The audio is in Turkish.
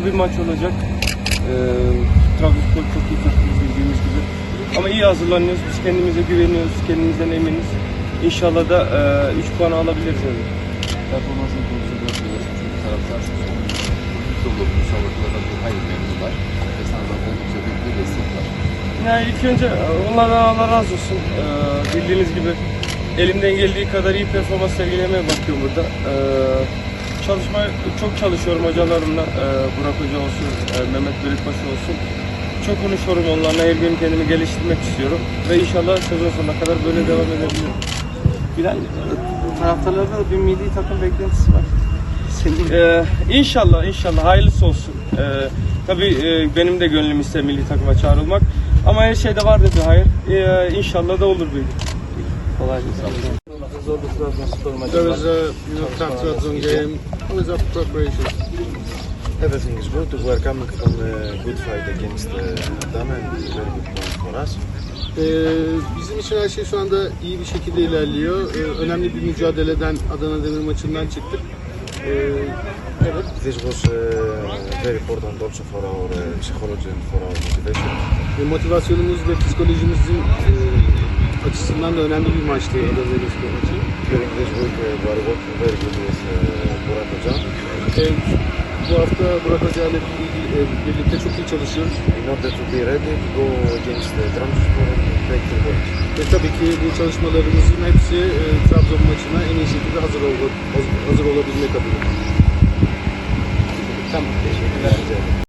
zor bir maç olacak. Trabzonspor çok iyi takım bildiğimiz gibi. Ama iyi hazırlanıyoruz. Biz kendimize güveniyoruz. Kendimizden eminiz. İnşallah da 3 puan alabiliriz. Yani. Performansını konusunda görüyorsun. Çünkü taraftar dolu müsabakalardan bir hayır memnun var. Ve senden oldukça büyük bir destek var. Yani ilk önce onlardan Allah razı olsun. Bildiğiniz gibi elimden geldiği kadar iyi performans sergilemeye bakıyorum burada. Çok çalışıyorum hocalarımla. Burak Hoca olsun, Mehmet Bölükbaşı olsun. Çok konuşuyorum onlarla. Her gün kendimi geliştirmek istiyorum. Ve inşallah sezon sonuna kadar böyle devam edebilirim. Bilal, taraftarlarda da bir milli takım beklentisi var. İnşallah hayırlısı olsun. Tabii benim de gönlüm ister milli takıma çağrılmak. Ama her şeyde vardır bir hayır. İnşallah da olur bir gün. Kolay gelsin. Zorlu Trabzonspor maçı There var. was a tough Trabzon game. How is our preparation? Everything is good. We are coming from a good fight against Adana and it's a very good point for us. Bizim için her şey şu anda iyi bir şekilde ilerliyor. Önemli bir mücadeleden Adana Demir maçından çıktık. Evet. This was very important also for our psychology and for our motivation. Motivasyonumuz ve psikolojimizin açısından da önemli bir maçtı Adana Demirspor maçı. During this week we are working very good with Burak Hoca. Bu hafta Burak Hoca ile birlikte çok iyi çalışıyoruz. In order to be ready to go against Trabzonspor and take the point. Ve tabii ki bu çalışmalarımızın hepsi Trabzon maçına en iyi şekilde hazır olabilmek adına. Tamam, teşekkürler.